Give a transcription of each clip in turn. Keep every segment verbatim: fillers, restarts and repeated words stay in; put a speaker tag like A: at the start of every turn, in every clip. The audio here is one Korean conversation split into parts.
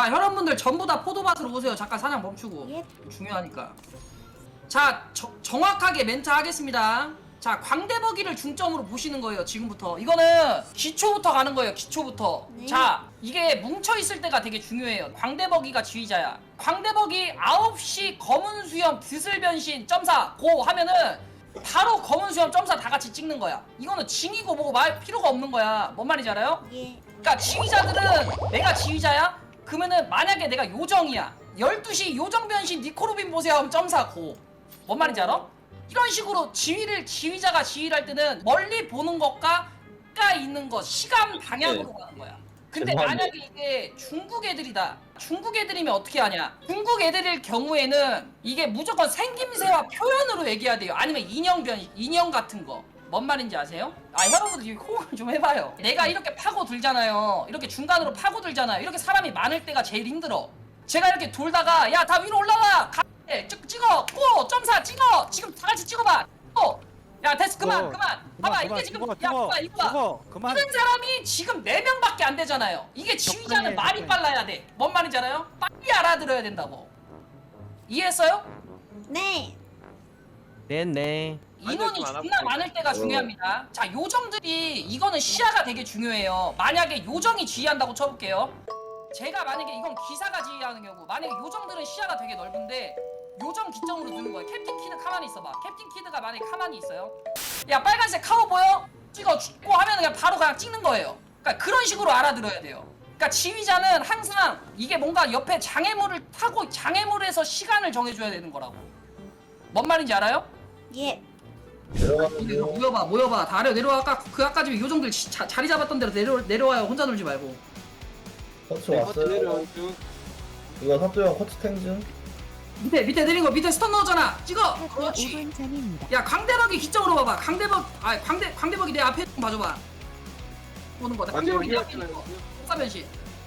A: 자 여러분들 전부 다 포도밭으로 오세요. 잠깐 사냥 멈추고.
B: 예.
A: 중요하니까. 자 저, 정확하게 멘트 하겠습니다. 자 광대버기를 중점으로 보시는 거예요. 지금부터 이거는 기초부터 가는 거예요. 기초부터.
B: 네.
A: 자 이게 뭉쳐있을 때가 되게 중요해요. 광대버기가 지휘자야. 광대버기 아홉 시 검은 수염 드슬 변신 점사 고 하면은 바로 검은 수염 점사 다 같이 찍는 거야. 이거는 징이고 뭐고 말 필요가 없는 거야. 뭔 말인지 알아요?
B: 예.
A: 그러니까 지휘자들은 내가 지휘자야? 그러면은 만약에 내가 요정이야. 열두 시 요정 변신 니코로빈 보세요 하면 점사 고. 뭔 말인지 알아? 이런 식으로 지휘를 지휘자가 지휘를 할 때는 멀리 보는 것과 가 있는 것 시간 방향으로 가는 거야. 근데
C: 죄송한데.
A: 만약에 이게 중국 애들이다. 중국 애들이면 어떻게 하냐? 중국 애들일 경우에는 이게 무조건 생김새와 표현으로 얘기해야 돼요. 아니면 인형 변 인형 같은 거. 뭔 말인지 아세요? 아 여러분들 이거 호응을 좀 해봐요. 내가 이렇게 파고 들잖아요. 이렇게 중간으로 파고 들잖아요. 이렇게 사람이 많을 때가 제일 힘들어. 제가 이렇게 돌다가 야 다 위로 올라가. 가 찍, 찍어 고 점사 찍어 지금 다 같이 찍어봐. 고. 야 됐어 그만
D: 어,
A: 그만.
D: 그만,
A: 봐봐
D: 그만,
A: 이게 지금
D: 죽어,
A: 야
D: 죽어,
A: 봐봐 이거 봐.
D: 죽어, 그만.
A: 뛰는 사람이 지금 네 명밖에 안 되잖아요. 이게 지휘자는
D: 적당히 해,
A: 말이
D: 적당히.
A: 빨라야 돼. 뭔 말인지 알아요? 빨리 알아들어야 된다고. 이해했어요?
B: 네.
D: 네네.
A: 인원이
E: 좀 안
A: 존나
E: 아프니까.
A: 많을 때가 중요합니다. 자 요정들이 이거는 시야가 되게 중요해요. 만약에 요정이 지휘한다고 쳐볼게요. 제가 만약에 이건 기사가 지휘하는 경우 만약에 요정들은 시야가 되게 넓은데 요정 기점으로 두는 거예요. 캡틴 키드 가만히 있어봐. 캡틴 키드가 만약에 가만히 있어요. 야 빨간색 카우 보여? 찍어 죽고 하면 그냥 바로 그냥 찍는 거예요. 그러니까 그런 식으로 알아들어야 돼요. 그러니까 지휘자는 항상 이게 뭔가 옆에 장애물을 타고 장애물에서 시간을 정해줘야 되는 거라고. 뭔 말인지 알아요?
B: 예.
C: 내려가면
A: 모여봐 모여봐 다 아래 내려와. 아까 그 아까 집에 요정들 지- 자, 자리 잡았던 데로 내려, 내려와요. 혼자 놀지 말고.
C: 커츠
E: 네, 커트
C: 왔어요.
E: 내려오죠.
C: 이거 사또형 커츠 탱즈.
A: 밑에 밑에 내린 거 밑에 스턴 넣었잖아. 찍어.
B: 오
A: 그렇지.
B: 분 전입니다.
A: 야 광대박이 기점으로 봐봐. 광대박 아 광대 광대박이 내 앞에 좀 봐줘봐. 보는 거다. 광대박이 내 앞에 있는 거. 복사변신.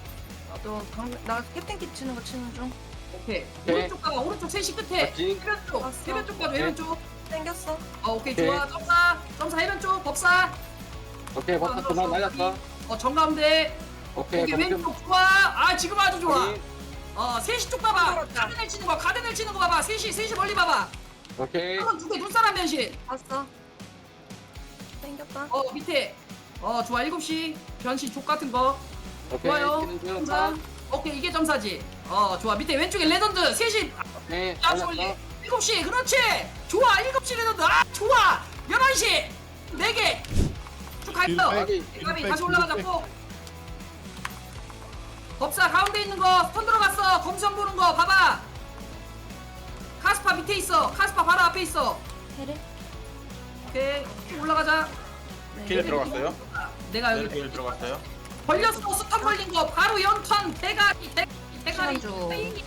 F: 나 캡틴 키 치는 거 치는 중.
A: 오케이.
E: 오케이.
A: 오른쪽 가봐. 오른쪽 셋이 끝에.
E: 맞지?
A: 해변 쪽.
F: 봤어.
A: 해변 쪽 가줘. 해변 쪽.
F: 땡겼어.
A: 어 오케이
E: 오케이.
A: 좋아. 점사. 점사 해변 쪽. 법사.
E: 오케이, 버튼 그만 맞았어.
A: 어 정가운데.
E: 오케이,
A: 여기
E: 검증.
A: 왼쪽 좋아. 아 지금 아주 좋아.
E: 확인.
A: 어 셋이 쪽 봐봐.
F: 들어갔다.
A: 가든을 치는 거. 가든을 치는 거 봐봐. 셋이 셋이 멀리 봐봐.
E: 오케이.
A: 한번 두개 눈사람 변신.
F: 봤어. 땡겼다.
A: 어 밑에. 어 좋아. 일곱 시 변신 족 같은 거.
E: 오케이.
A: 좋아요.
E: 치는 중.
A: 점사. 오케이 이게 점사지. 어 좋아. 밑에 왼쪽에 레전드 셋이
E: 오케이.
A: 야수 올리.
E: 맞았어.
A: 일곱 시 그렇지. 좋아. 일곱 시 레전드. 아 좋아. 열한 시 네 개. 쭉 갈게요.
E: 확인.
A: 가비 다시 올라가자. 꼭. 법사 가운데 있는 거 스턴 들어갔어. 검선 보는 거 봐봐. 카스파 밑에 있어. 카스파 바로 앞에 있어.
B: 해를.
A: 오케이 쭉 올라가자.
E: 길 들어갔어요?
A: 내가
E: 네,
A: 여기
E: 길 들어갔어요.
A: 걸렸어. 스턴 걸린 거 바로 연턴 대가리 대- 대가리
F: 시간주.
A: 페이.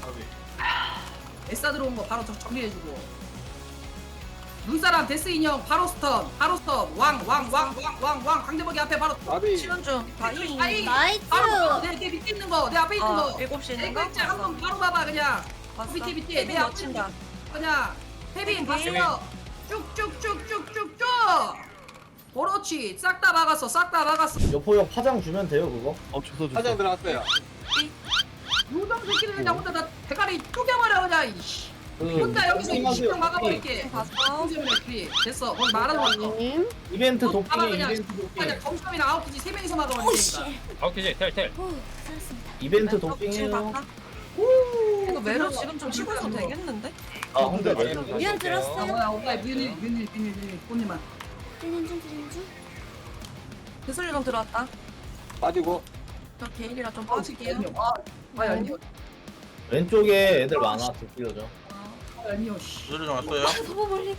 A: 에싸 들어온 거 바로 정- 정리해주고. 눈사람 데스 인형 바로 스턴 바로 스턴 왕왕왕왕왕왕 광대박이 앞에 바로
E: 아비.
F: 치는 중. 바이.
A: 아이
B: 나이스.
A: 바로 내, 내 밑에 있는 거 내 앞에 있는
F: 어,
A: 거
F: 일곱 시
A: 내
F: 있는 거?
A: 글자 한번 바로 봐봐 그냥.
F: 봤어.
A: 밑에 밑에
F: 캡틴
A: 내 앞에
F: 놓친다.
A: 그냥 태빈
F: 태빈.
A: 봤어요. 쭉쭉쭉쭉쭉쭉 그렇지 싹 다 막았어 싹 다 막았어.
C: 여포형 파장 주면 돼요 그거.
D: 어 주소 주소.
E: 화장 들어갔어요.
A: 요정 새끼를 그냥 혼자 다 대가리 쪼개버려 그냥 이씨.
C: 그
A: 혼자 여기서
C: 도핑하세요,
A: 이십 명
C: 도핑.
A: 막아버릴게.
F: 봤어.
A: 때문에 그리 됐어 거기 말하는 거 같어.
B: 님.
C: 이벤트
A: 어, 봐봐,
C: 도핑이
A: 그냥.
C: 이벤트 도핑.
A: 그냥 검수이랑 아웃키지 세 명이서
B: 오
A: 막아버리니까.
B: 씨.
G: 아웃키지 텔텔.
B: 오 살았습니다.
C: 이벤트
F: 지금
C: 도핑이에요.
F: 봤다. 이거 매로 지금 좀 치고 있어도 되겠는데?
C: 아 근데
E: 네.
C: 왜?
B: 미안
A: 아
B: 들었어요.
A: 뭐야 오빠 뮤닐 뮤닐 뮤닐 뮤닐 꽃님아.
B: 뛰는 중 뛰는 중.
F: 드슬리론 들어왔다.
E: 빠지고.
F: 저 게일이라 좀 빠질게요.
A: 아 얄미워
C: 왼쪽에 애들 많아. 뒷길로죠.
A: 아 얄미워 씨.
E: 소리 좀 왔어요.
B: 너무 멀리.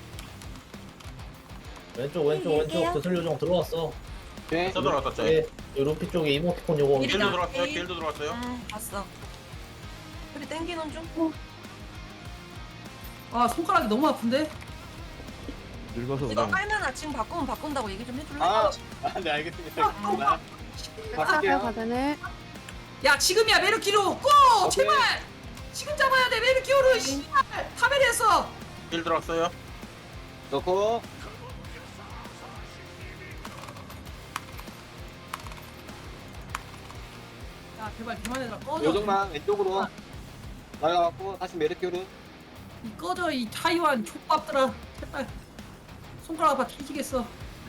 C: 왼쪽 왼쪽
B: 네,
C: 왼쪽
B: 얘기해요.
C: 드슬 요정 들어왔어.
E: 오케이.
H: 저 들어갔다 저.
C: 예, 이 루피 쪽에 이모티콘 요거.
F: 이리-
H: 길도 들어갔어요.
F: 이-
H: 길도 들어갔어요.
F: 아, 봤어. 우리 땡기는 중.
A: 아 손가락이 너무 아픈데?
D: 늙어서
F: 이거
D: 그래.
F: 깔면 아침 바꾸면 바꾼다고 얘기 좀 해줄래?
E: 아, 아, 네 알겠습니다. 알겠습니다. 바꿀게요.
B: 가든을.
A: 야 지금이야 메르키로 고
E: 오케이.
A: 제발 지금 잡아야 돼 메르키오를 씨발 카메라에서.
H: 길 들어갔어요.
E: 넣고.
A: 야 제발 그만해라 꺼져.
E: 요정만 왼쪽으로 날아갔고 다시 메르큐르.
A: 이 꺼져 이 타이완 족밥들아 제발 손가락 아파 뒤지겠어.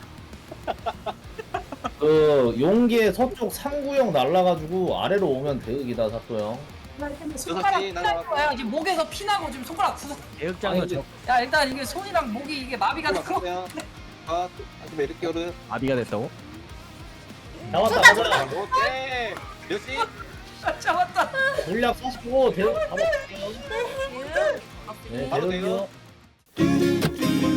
C: 그 용기의 서쪽 삼구형 날라가지고 아래로 오면 대극이다 사또 형.
A: 손가락
E: 여섯 시
A: 피날
E: 날아갔고.
A: 거야. 지금 목에서 피나고 지금 손가락 구석.
D: 대극장도
C: 아니,
D: 저
A: 야 일단 이게 손이랑 목이 이게 마비가 되고.
E: 올라갔어요. 아, 다시 메르큐르.
D: 아비가 됐다고?
C: 잡았다
B: 쏟아,
C: 가자.
E: 오케이. 몇 시?
A: 아, 잡았다.
C: 물약 사십오 대극 잡았어요. 네
E: 바로
C: 대극이요.
E: 돼요.